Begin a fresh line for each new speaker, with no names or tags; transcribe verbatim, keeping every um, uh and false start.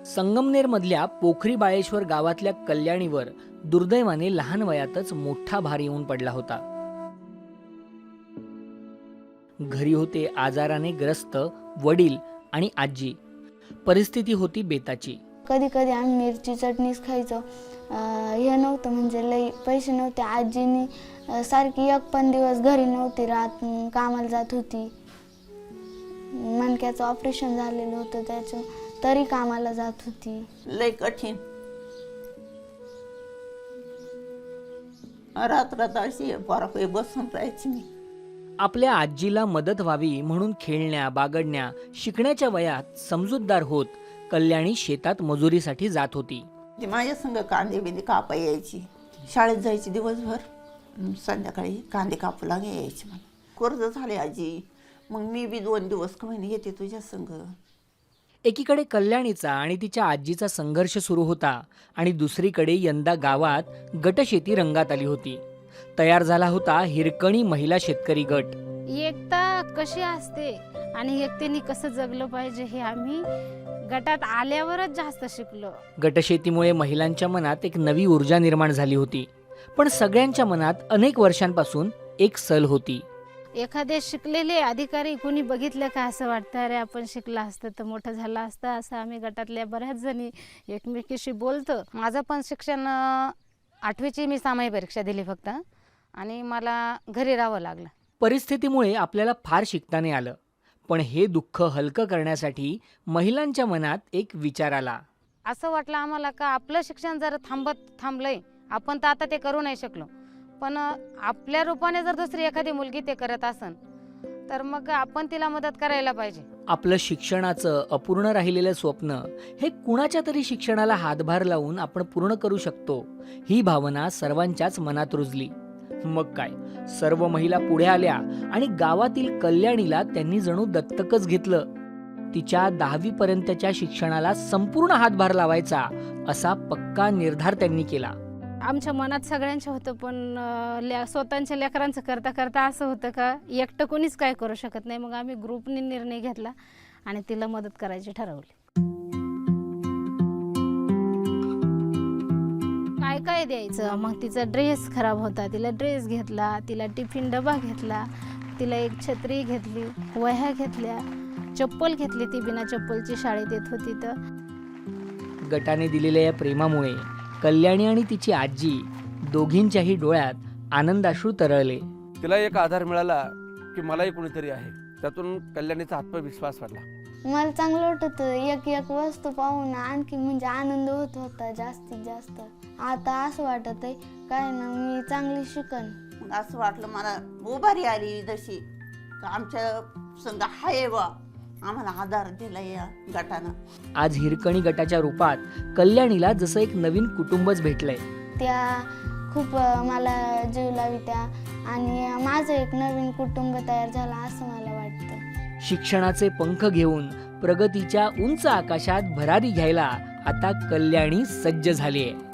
संगमनेरमधल्या पोखरी बाळेश्वर गावातल्या कल्याणीवर दुर्दैवाने लहान वयातच मोठा भार येऊन पडला होता. घरी होते आजाराने ग्रस्त वडील आणि आजी. परिस्थिती होती बेताची.
कधी कधी आम्ही मिरची चटणीच खायचो. हे नव्हतं म्हणजे लई पैसे नव्हते. आजीनी सारखी एक पण दिवस घरी नव्हती राहत, कामाला जात होती. मणक्याचं ऑपरेशन झालेलं होतं त्याचं, तरी कामाला जात होती.
लय कठीण. रात्रात अशी पोराकडे बसून राहायची मी.
आपल्या आजीला मदत व्हावी म्हणून खेळण्या बागडण्या शिकण्याच्या वयात समजूतदार होत कल्याणी शेतात मजुरीसाठी जात होती.
ती माझ्या संग कांदे बिंदे कापा यायची. शाळेत जायची दिवसभर, संध्याकाळी कांदे कापू लागे यायची. मला कर्ज झाले आजी, मग मी बी दोन दिवस का महिने येते तुझ्या संग.
एकीकडे कल्याणीचा आणि तिच्या आजीचा संघर्ष सुरू होता आणि दुसरीकडे यंदा गावात गटशेती रंगात आली होती. तयार झाला होता हिरकणी महिला शेतकरी गट.
एकता कशी असते आणि एकतेने कसं जगलं पाहिजे हे आम्ही गटात आल्यावरच जास्त शिकलो.
गटशेतीमुळे महिलांच्या मनात एक नवी ऊर्जा निर्माण झाली होती. पण सगळ्यांच्या मनात अनेक वर्षांपासून एक सल होती.
एखादे शिकलेले अधिकारी कोणी बघितलं का असं वाटतं, अरे आपण शिकला असतं तर मोठं झालं असतं. असं आम्ही गटातल्या बऱ्याच जणी एकमेकीशी बोलतो.
माझं पण शिक्षण आठवीची मी सामायिक परीक्षा दिली फक्त, आणि मला घरी राहावं लागलं.
परिस्थितीमुळे आपल्याला फार शिकता नाही आलं. पण हे दुःख हलकं करण्यासाठी महिलांच्या मनात एक विचार आला.
असं वाटलं आम्हाला का आपलं शिक्षण जर थांबत थांबलंय, आपण तर आता ते करू नाही शकलो, पण आपल्या रूपाने जर दुसरी एखादी मुलगी ते करत असन तर मग आपण तिला मदत करायला पाहिजे.
आपलं शिक्षणाचं अपूर्ण राहिलेलं स्वप्न हे कुणाच्या तरी शिक्षणाला हातभार लावून आपण पूर्ण करू शकतो, ही भावना सर्वांच्याच मनात रुजली. मग काय, सर्व महिला पुढे आल्या आणि गावातील कल्याणीला त्यांनी जणू दत्तकच घेतलं. तिच्या दहावी पर्यंतच्या शिक्षणाला संपूर्ण हातभार लावायचा असा पक्का निर्धार त्यांनी केला.
आमच्या मनात सगळ्यांचं होतं, पण अं, स्वतःच्या लेकरांचं करता करता असं होतं का एकटं कोणीच काय करू शकत नाही. मग आम्ही ग्रुपने निर्णय घेतला आणि तिला मदत करायची ठरवली. काय काय द्यायचं, मग तिचा ड्रेस खराब होता, तिला ड्रेस घेतला, तिला टिफिन डबा घेतला, तिला एक छत्री घेतली, वह्या घेतल्या, चप्पल घेतली. ती बिना चप्पलची शाळेत येत होती. तर
गटाने दिलेल्या या प्रेमामुळे कल्याणी आणि तिची आजी दोघींच्याही डोळ्यात आनंदाश्रू तरळले.
तिला एक आधार मिळाला की मलाही कोणीतरी आहे. त्यातून कल्याणीचा आत्मविश्वास वाढला.
मला चांगलं वाटत होतं. एक एक वस्तू पाहून आणखी म्हणजे आनंद होत होता जास्तीत जास्त. आता असं वाटत आहे काय ना, मी चांगली शिकन.
मग असं वाटलं मला उभारी आली जशी का आमच्या संग हाय बा, आम्हाला आधार दिला या गटानं.
आज हिरकणी गटाच्या रूपात कल्याणीला जसं एक नवीन कुटुंबच भेटलंय.
त्या खूप मला जीव लावित्या आणि माझं एक नवीन कुटुंब तयार झालं असं मला वाटतं.
शिक्षणाचे पंख घेऊन प्रगतीच्या उंच आकाशात भरारी घ्यायला आता कल्याणी सज्ज झालीये.